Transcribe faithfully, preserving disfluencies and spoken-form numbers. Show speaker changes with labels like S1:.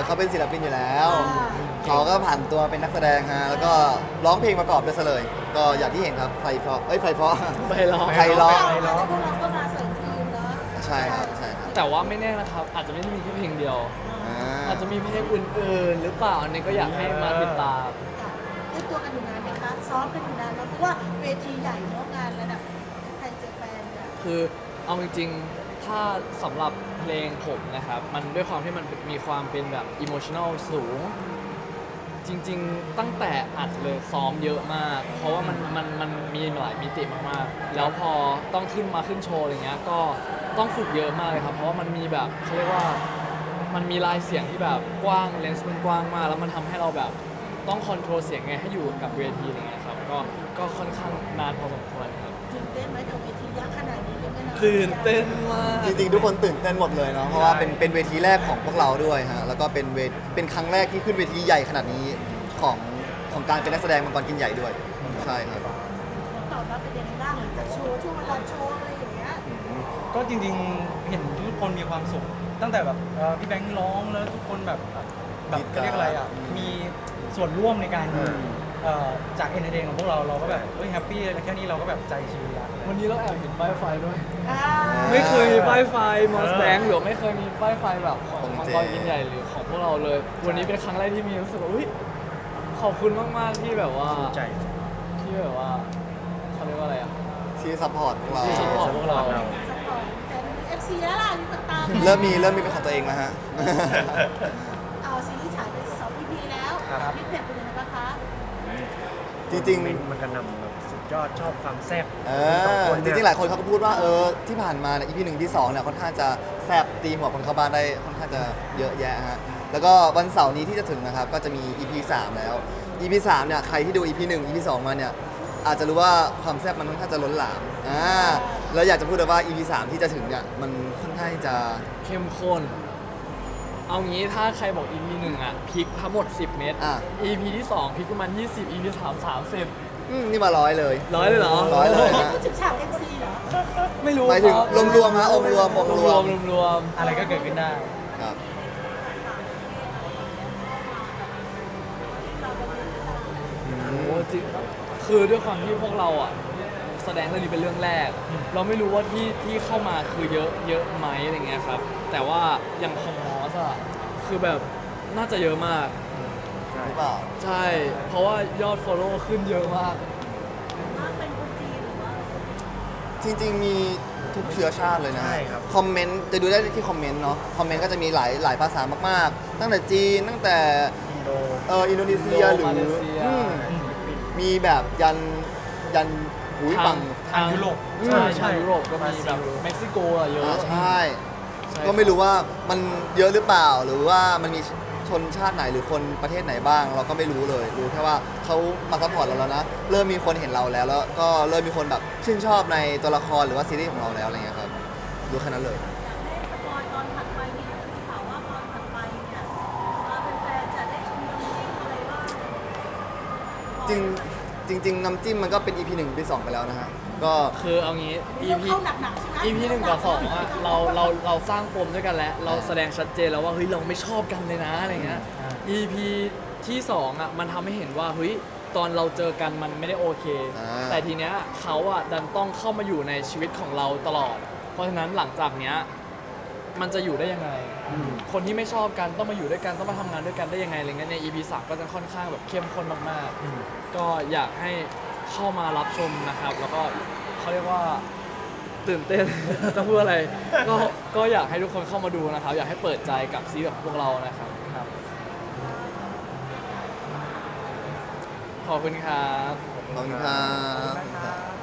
S1: เขาเป็นศิลปินอยู่แล้วเขาก็ผ่านตัวเป็นนักแสดงฮะแล้วก็ร้องเพลงประกอบด้วยซะเลย ก็อย่างที่เห็นครับไพเพราะเอ้ยไพเพราะ
S2: ไปรอ
S1: ไพเราะ
S3: แล้วพวกเราก็มาเสริมทีมเนาะ
S1: ใช่ครับใช่ครับ
S2: แต่ว่าไม่แน่นะครับ อาจจะไม่ได้มีแค่เพลงเดียว
S1: อ่า
S2: อาจจะมีเพลงอื่นๆ หรือเปล่าอันนี้ก็อยากให้มาติดตาม
S3: เรียกตัวกันอยู่นานไหมคะซ้อมกันอยู่นานแล้วเพราะว่าเวทีใหญ่เนาะงานระดับไทยเจแปนเนี่ย
S2: คือเอาจริงๆ ถ้าสำหรับเพลงผมนะครับ มันด้วยความที่มันมีความเป็นแบบอิโมชัน a ลสูง จริงๆ ตั้งแต่อัดเลยซ้อมเยอะมาก เพราะว่ามันมันมันมีหลายมิติมากๆ แล้วพอต้องขึ้นมาขึ้นโชว์อะไรเงี้ย ก็ต้องฝึกเยอะมากเลยครับ เพราะว่ามันมีแบบเขาเรียกว่ามันมีลายเสียงที่แบบกว้างเลนส์มันกว้างมาก แล้วมันทำให้เราแบบต้องคอนโทรลเสียงไงให้อยู่กับเวทีอะไรเงี้ยครับ ก็ก็ค่อนข้างนานพอสมควรครับ
S3: ตื่นเต้นไหมกับเวทียักษ์ขนาดนี้ยังไม่นาน
S2: ตื่นเต้นมาก
S1: จริงๆทุกคนตื่นเต้นหมดเลยเนาะเพราะว่าเป็นเป็นเวทีแรกของพวกเราด้วยฮะแล้วก็เป็นเวทเป็นครั้งแรกที่ขึ้นเวทีใหญ่ขนาดนี้ของของการเป็นนักแสดงมังกรกินใหญ่ด้วยใช่ครับ
S3: ตอบรับเป็นยังไงบ้างหลังจากโชว์ช่วงเวลาโชว์อะไรอย่างเงี้ย
S4: ก็จริงๆ เห็นทุกคนมีความสุข ตั้งแต่แบบเอ่อพี่แบงค์ร้องแล้วทุกคนแบบแบบเขาเรียกอะไรอ่ะ มีส่วนร่วมในการเอ่อจากเอนเตอร์เทนของพวกเราเราก็แบบเฮ้ยแฮปปี้แค่นี้เราก็แบบใจชื้นละ
S2: วันนี้เราแอบเห็นป้ายไฟด้วย
S3: อ่า
S2: ไม่เคยมีป้ายไฟมอสแบงหรือไม่เคยมีป้ายไฟแบบของ
S1: ของ
S2: มัง
S1: เจ
S2: กรกินใหญ่หรือของพวกเราเลย วันนี้เป็นครั้งแรกที่มีรู้สึกว่าอุ้ยขอบคุณมากๆที่แบบว่า
S4: ใจ
S2: ที่แบบว่าเขาเรียกว่าอะไรอ่ะ
S1: ที่ซัพพอร์ตพวกเรา
S2: ที่ซัพพอร์ตพวกเรา
S3: สปอร์ตแฟนเอฟซีแล้วล่ะมีคนตาม
S1: เริ่มมีเริ่มมีเป็นของตัวเองแล้วฮะ
S3: เอาซีรีส์ฉายไปสอง อี พี แล้ว
S4: ครับ
S3: ฟีดแบ็กเป็นยังไงบ้างคะ
S1: จริง
S5: ๆมันกระหนำแบบสุดยอดชอบความแซ่บ
S1: ๆเอ
S5: สอง
S1: อ
S5: คน
S1: จ
S5: เนี่ย
S1: ริงๆหลายคนเขาก็พูดว่าเออที่ผ่านมาเนี่ย อี พี หนึ่ง อี พี สองเนี่ยค่อนข้างจะแซบตีหัวคนเข้าบ้านได้ค่อนข้างจะเยอะแยะฮะแล้วก็วันเสาร์นี้ที่จะถึงนะครับก็จะมี อี พี สามแล้ว อี พี สามเนี่ยใครที่ดู อี พี หนึ่ง อี พี สองมาเนี่ยอาจจะรู้ว่าความแซ่บมันค่อนข้างจะล้นหลามอ่าแล้วอยากจะพูดเลยว่า อี พี สามที่จะถึงเนี่ยมันค่อนข้างจะ
S2: เข้มข้น เอางี้ถ้าใครบอก อี พี หนึ่งอ่ะพลิกทั้งหมดสิบเมตร
S1: อ่ะ
S2: อี พี ที่สองพลิกประมาณยี่สิบ อี พี สาม สามสิบ
S1: อืมนี่มาร้อยเลย
S2: ร้อยเลยเหรอ
S1: ร้อยเลย
S3: พูดถึงฉากเอ็นซีเหรอ
S2: ไม่รู้
S1: หมายถึง
S2: คบ
S1: รวมๆฮะองค์รวมองค์รวม
S2: รวมๆรวมๆ
S4: อะไรก็เกิดขึ้นได้
S1: ครับ
S2: โอ้จริงคือด้วยความที่พวกเราอ่ะแสดงเรื่องนี้เป็นเรื่องแรก เราไม่รู้ว่าที่ที่เข้ามาคือเยอะเยอะไหมอะไรเงี้ยครับ แต่ว่าอย่างของมอสอ่ะคือแบบน่าจะเยอะมาก
S1: หรือเปล่า
S2: ใช่ เพราะว่ายอด follow ขึ้นเยอะมาก
S3: ว่าเป็นคนจีนหรือว่า
S1: จริงๆ มีทุกเชื้อชาติเลยนะ
S5: ใช่ครับ
S1: คอมเมนต์จะดูได้ที่คอมเมนต์เนาะคอมเมนต์ก็จะมีหลายหลายภาษามากๆ ตั้งแต่จีนตั้งแต่
S5: อินโด
S1: เอออินโดนีเซียหรือ
S2: มาเลเซีย
S1: อืมมีแบบยันยันหูย
S2: ทา
S1: ฝั่
S2: ง
S1: ง
S4: ทางยุโรป
S2: ใช่
S4: ใช่
S2: ทางยุโรปก็มีแบบเม็กซิโกอะเยอะ
S1: อ่าใช่
S2: ใช่
S1: ก็ไม่รู้ว่ามันเยอะหรือเปล่า หรือว่ามันมีชนชาติไหนหรือคนประเทศไหนบ้าง เราก็ไม่รู้เลย รู้แค่ว่าเขามาซัพพอร์ตเราแล้วนะ เริ่มมีคนเห็นเราแล้ว แล้วก็เริ่มมีคนแบบชื่นชอบในตัวละครหรือว่าซีรีส์ของเราแล้วอะไรเงี้ยครับรู้แค่นั้นเลย
S3: สปอยตอนถัดไปนี่มีข่าวว่าตอนถัดไปเนี่ยแฟนๆจะได้ชมน้ำจิ้มอะไรบ้าง
S1: จริงจริงๆน้ำจิ้มมันก็เป็น อี พี หนึ่ง อี พี สองไปแล้วนะฮะ ก็
S2: คือเอางี้
S3: อี
S2: EP
S3: เข้าหนักๆใช่ไหม
S2: อี พี หนึ่งกับสองอะเราเราเราสร้างปมด้วยกันแล้ว เราแสดงชัดเจนแล้วว่าเฮ้ยเราไม่ชอบกันเลยนะอะไรเงี้ย
S4: อ่า
S2: อี พี ที่สองอะมันทำให้เห็นว่าเฮ้ยตอนเราเจอกันมันไม่ได้โอเค
S1: อ่า
S2: แต่ทีเนี้ยเขาอะดันต้องเข้ามาอยู่ในชีวิตของเราตลอด เพราะฉะนั้นหลังจากเนี้ยมันจะอยู่ได้ยังไง คนที่ไม่ชอบกันต้องมาอยู่ด้วยกันต้องมาทำงานด้วยกันได้ยังไงอะไรเงี้ยใน อี พี สามก็จะค่อนข้างแบบเข้มข้นมากๆ ก็อยากให้เข้ามารับชมนะครับ แล้วก็เขาเรียกว่าตื่นเต้น จะพูดอะไรก็ก็อยากให้ทุกคนเข้ามาดูนะครับ อยากให้เปิดใจกับซีรีส์ของพวกเรานะครับครับขอบคุณครับ
S1: ขอบคุณครับ